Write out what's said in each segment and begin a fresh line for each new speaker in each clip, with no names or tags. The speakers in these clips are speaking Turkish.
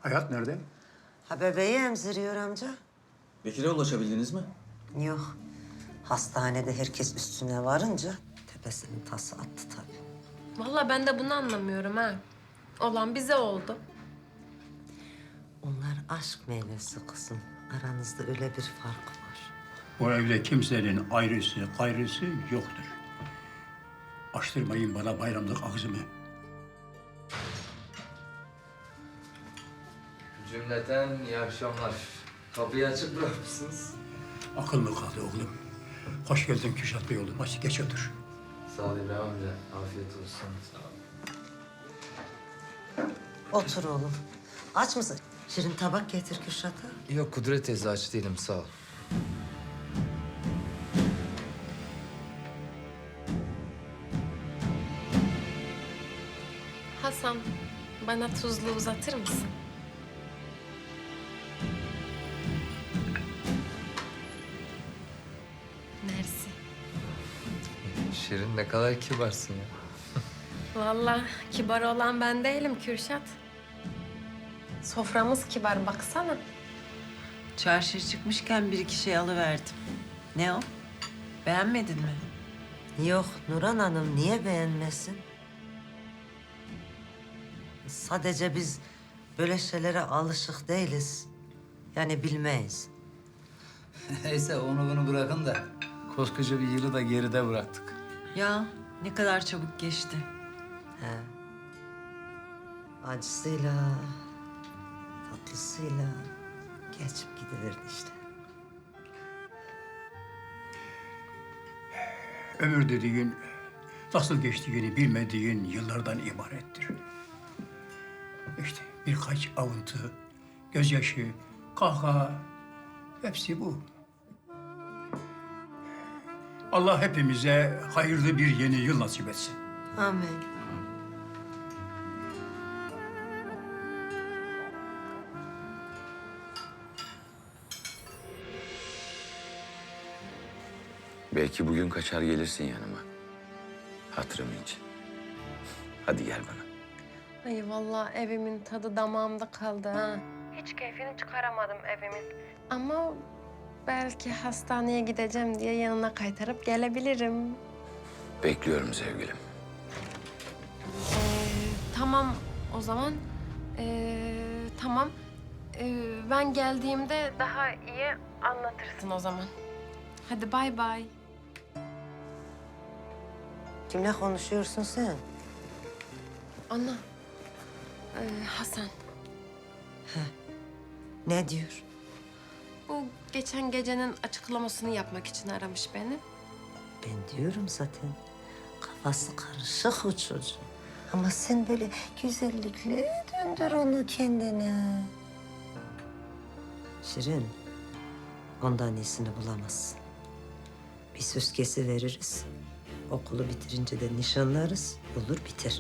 Hayat nerede?
Ha bebeği emziriyor amca.
Bekir'e ulaşabildiniz mi?
Yok. Hastanede herkes üstüne varınca tepesinin tası attı tabii.
Vallahi ben de bunu anlamıyorum ha. Olan bize oldu.
Onlar aşk meyvesi kızım. Aranızda öyle bir fark var.
Bu evde kimsenin ayrısı, gayrısı yoktur. Açtırmayın bana bayramlık ağzımı.
Cümleten iyi akşamlar. Kapıyı açık bırakmışsınız.
Akıl mı kaldı oğlum? Hoş geldin Kürşat Bey oğlum. Hadi geç otur.
Sağ ol İbrahim amca. Afiyet olsun. Sağ ol.
Otur oğlum. Aç mısın? Şirin tabak getir Kürşat'a.
Yok Kudret teyze aç değilim sağ ol.
Hasan, bana tuzlu uzatır mısın? Mersi.
Şirin ne kadar kibarsın ya.
Vallahi kibar olan ben değilim Kürşat. Soframız kibar baksana.
Çarşıya çıkmışken bir iki şey alıverdim. Ne o? Beğenmedin mi?
Yok Nurhan Hanım niye beğenmesin? Sadece biz böyle şeylere alışık değiliz. Yani bilmeyiz.
Neyse onu bunu bırakın da koskoca bir yılı da geride bıraktık.
Ya ne kadar çabuk geçti.
He. Acısıyla, tatlısıyla geçip gidiverdi işte.
Ömür dediğin nasıl geçtiğini bilmediğin yıllardan ibarettir. İşte birkaç avıntı, gözyaşı, kahkaha hepsi bu. Allah hepimize hayırlı bir yeni yıl nasip etsin.
Amin.
Belki bugün kaçar gelirsin yanıma. Hatırım için. Hadi gel bana.
Ay vallahi evimin tadı damağımda kaldı ha. Hiç keyfini çıkaramadım evimin. Ama belki hastaneye gideceğim diye yanına kaytarıp gelebilirim.
Bekliyorum sevgilim.
Tamam o zaman. Tamam. Ben geldiğimde daha iyi anlatırsın o zaman. Hadi bay bay.
Kimle konuşuyorsun sen?
Ana. Hasan.
Ne diyor?
Bu geçen gecenin açıklamasını yapmak için aramış beni.
Ben diyorum zaten. Kafası karışık o çocuğun. Ama sen böyle güzellikle döndür onu kendine. Şirin, ondan iyisini bulamazsın. Bir söz kesiveririz. Okulu bitirince de nişanlarız. Olur biter.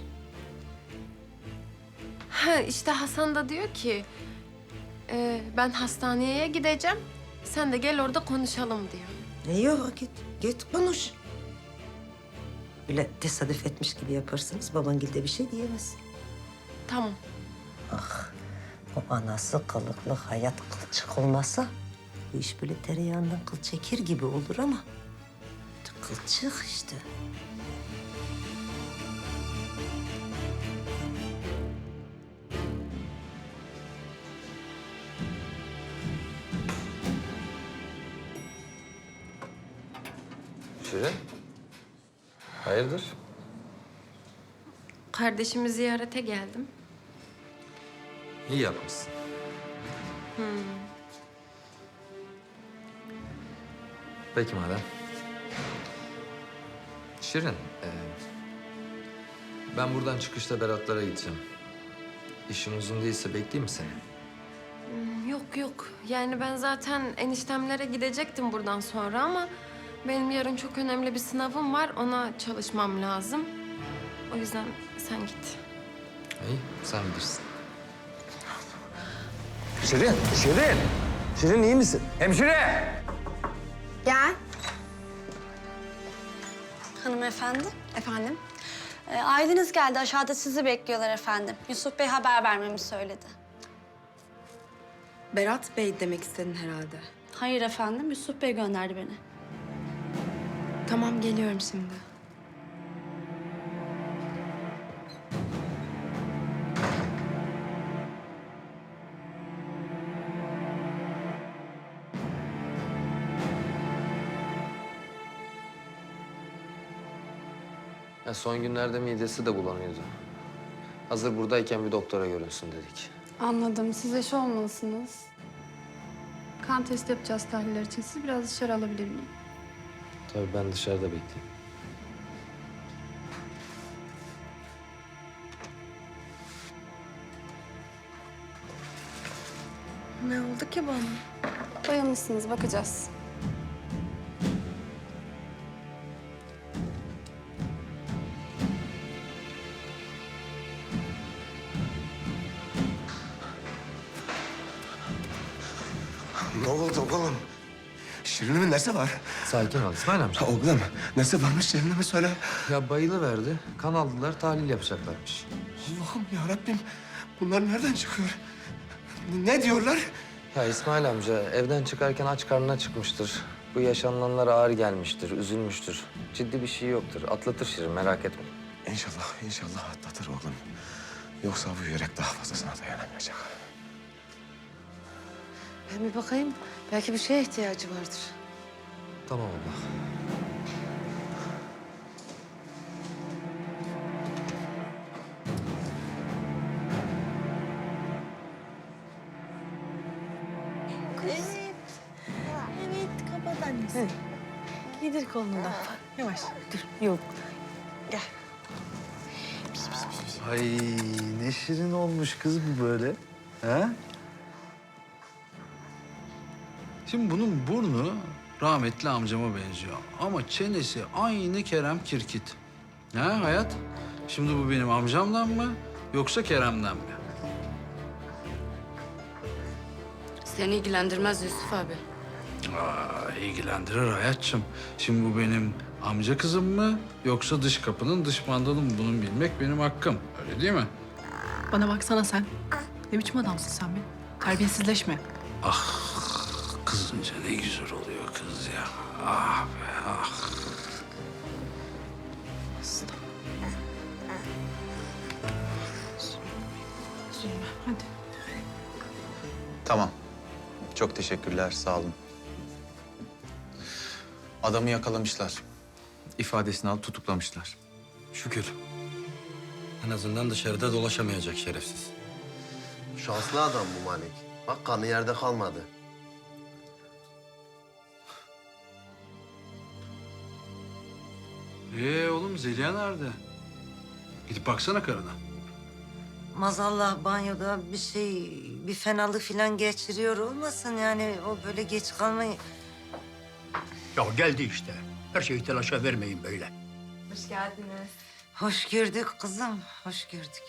Ha işte Hasan da diyor ki... ben hastaneye gideceğim. Sen de gel orada konuşalım diyor.
Ne yok git konuş. Öyle tesadüf etmiş gibi yaparsınız. Babangil de bir şey diyemez.
Tamam.
Ah, o anası kılıklı hayat kılçık olmasa bu iş böyle tereyağından kıl çekir gibi olur ama kılçık işte.
Şirin. Hayırdır?
Kardeşimi ziyarete geldim.
İyi yapmışsın. Peki madem. Şirin, ben buradan çıkışta Beratlara gideceğim. İşin uzun değilse bekleyeyim mi seni?
Yok. Yani ben zaten eniştemlere gidecektim buradan sonra ama... benim yarın çok önemli bir sınavım var. Ona çalışmam lazım. O yüzden sen git.
İyi, sen bilirsin.
Şirin iyi misin? Hemşire!
Gel. Hanımefendi. Efendim. Aileniz geldi. Aşağıda sizi bekliyorlar efendim. Yusuf Bey haber vermemi söyledi.
Berat Bey demek istedin herhalde.
Hayır efendim, Yusuf Bey gönderdi beni.
Tamam, geliyorum şimdi.
Ya son günlerde midesi de bulanıyordu. Hazır buradayken bir doktora görünsün dedik.
Anladım. Siz eşi olmalısınız. Kan testi yapacağız tahliller için. Sizi biraz dışarı alabilir miyim?
Tabii ben dışarıda bekleyeyim.
Ne oldu ki bana?
Dayanırsınız, bakacağız.
Ne oldu oğlum? Şirin'imin nesi var?
Sakin ol İsmail amca.
Oğlum nesi varmış Şirin'ime söyle.
Ya bayılıverdi. Kan aldılar, tahlil yapacaklarmış.
Allah'ım ya Rabbim. Bunlar nereden çıkıyor? Ne diyorlar?
Ya İsmail amca evden çıkarken aç karnına çıkmıştır. Bu yaşananlara ağır gelmiştir, üzülmüştür. Ciddi bir şey yoktur. Atlatır Şirin, merak etme.
İnşallah, inşallah atlatır oğlum. Yoksa bu yürek daha fazlasına dayanamayacak.
Ben bir bakayım. Belki bir şeye ihtiyacı vardır.
Tamam abla.
Evet, kapat annesi. Giydir kolunu da. Yavaş, dur. Yok. Gel.
Ay ne şirin olmuş kız bu böyle. Ha? Şimdi bunun burnu rahmetli amcama benziyor. Ama çenesi aynı Kerem Kirkit. Ha hayat? Şimdi bu benim amcamdan mı yoksa Kerem'den mi?
Seni ilgilendirmez Yusuf abi.
İlgilendirir hayatçım. Şimdi bu benim amca kızım mı yoksa dış kapının dış mandalı mı? Bunu bilmek benim hakkım. Öyle değil mi?
Bana baksana sen. Ne biçim adamsın sen be? Terbiyesizleşme.
Kızınca ne güzel oluyor kız ya. Ah be ah.
Üzülme, hadi.
Tamam. Çok teşekkürler, sağ olun. Adamı yakalamışlar. İfadesini alıp tutuklamışlar.
Şükür. En azından dışarıda dolaşamayacak şerefsiz.
Şanslı adam bu Malik. Bak kanı yerde kalmadı.
Oğlum Zeliha nerede? Gidip baksana karına.
Mazallah banyoda bir fenalık falan geçiriyor olmasın yani o böyle geç kalmayı.
Ya geldi işte. Her şeyi telaşa vermeyin böyle.
Hoş geldiniz.
Hoş gördük kızım, hoş gördük.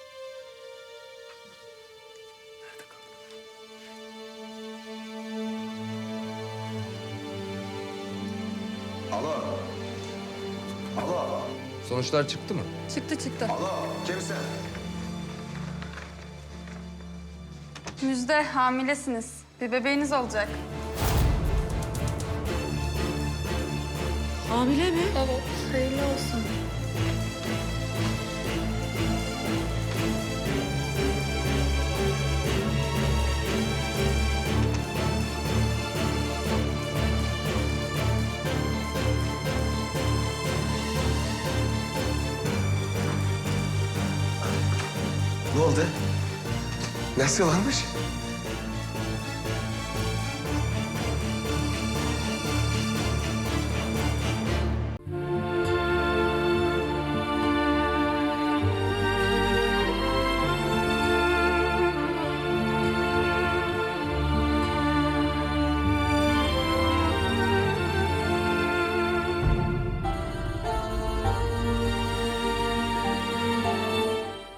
Alo. Alo.
Sonuçlar çıktı mı?
Çıktı.
Alo. Kimsin?
Müjde, hamilesiniz. Bir bebeğiniz olacak.
Hamile mi?
Evet, hayırlı olsun.
Ne oldu? Nesi varmış?